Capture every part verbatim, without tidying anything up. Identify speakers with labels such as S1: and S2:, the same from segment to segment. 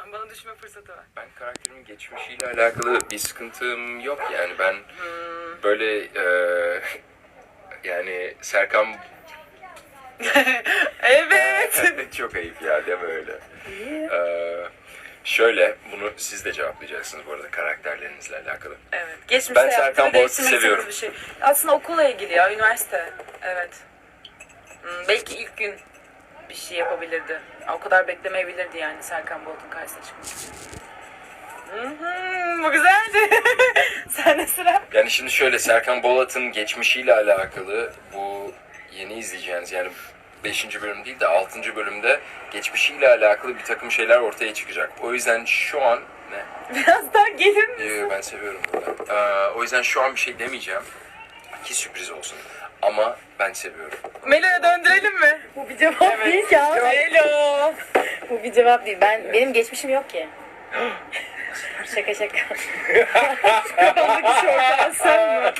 S1: lütfen. Bana düşme fırsatı ver.
S2: Ben karakterimin geçmişiyle alakalı bir sıkıntım yok yani. Ben
S1: Hmm.
S2: böyle e, yani Serkan
S1: Evet.
S2: çok ayıp ya deme öyle. Ee, şöyle bunu siz de cevaplayacaksınız bu arada karakterlerinizle alakalı.
S1: Evet. Geçmişte
S2: Ben Serkan
S1: yaptığını
S2: Boğaz'ı
S1: değiştirmek
S2: seviyorum.
S1: istediğiniz Bir şey. Aslında okulla ilgili ya, üniversite. Evet. Hmm, belki ilk gün bir şey yapabilirdi. O kadar beklemeyebilirdi yani Serkan Bolt'un karşısına çıkmak. Hmm, bu güzeldi. Sen de sıra.
S2: Yani şimdi şöyle Serkan Bolat'ın geçmişiyle alakalı bu yeni izleyeceğiniz yani beşinci bölüm değil de altıncı bölümde geçmişiyle alakalı bir takım şeyler ortaya çıkacak. O yüzden şu an ne?
S1: Biraz daha gelir misin?
S2: Ee, ben seviyorum bunu. Ee, o yüzden şu an bir şey demeyeceğim ki sürpriz olsun. Ama ben seviyorum.
S1: Melo'ya döndürelim mi?
S3: Bu bir cevap değil ki abi.
S1: Melo.
S3: Bu bir cevap değil. Ben benim geçmişim yok ki. Şaka şaka.
S1: Kafamdaki şortlar sen mi?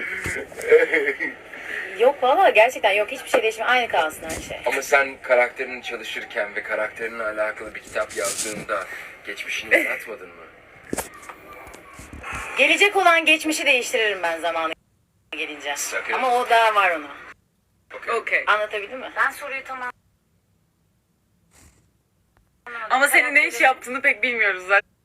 S3: Yok valla gerçekten yok. Hiçbir şey değişmiyor. Aynı kalsın her şey.
S2: Ama sen karakterini çalışırken ve karakterinle alakalı bir kitap yazdığında geçmişini yaratmadın mı?
S3: Gelecek olan geçmişi değiştiririm ben zamanı gelince.
S2: Sakın.
S3: Ama o daha var ona.
S2: Okay.
S1: Okey.
S3: Anlatabildim mi?
S4: Ben soruyu tamam.
S1: Ama senin ne iş yaptığını pek bilmiyoruz zaten.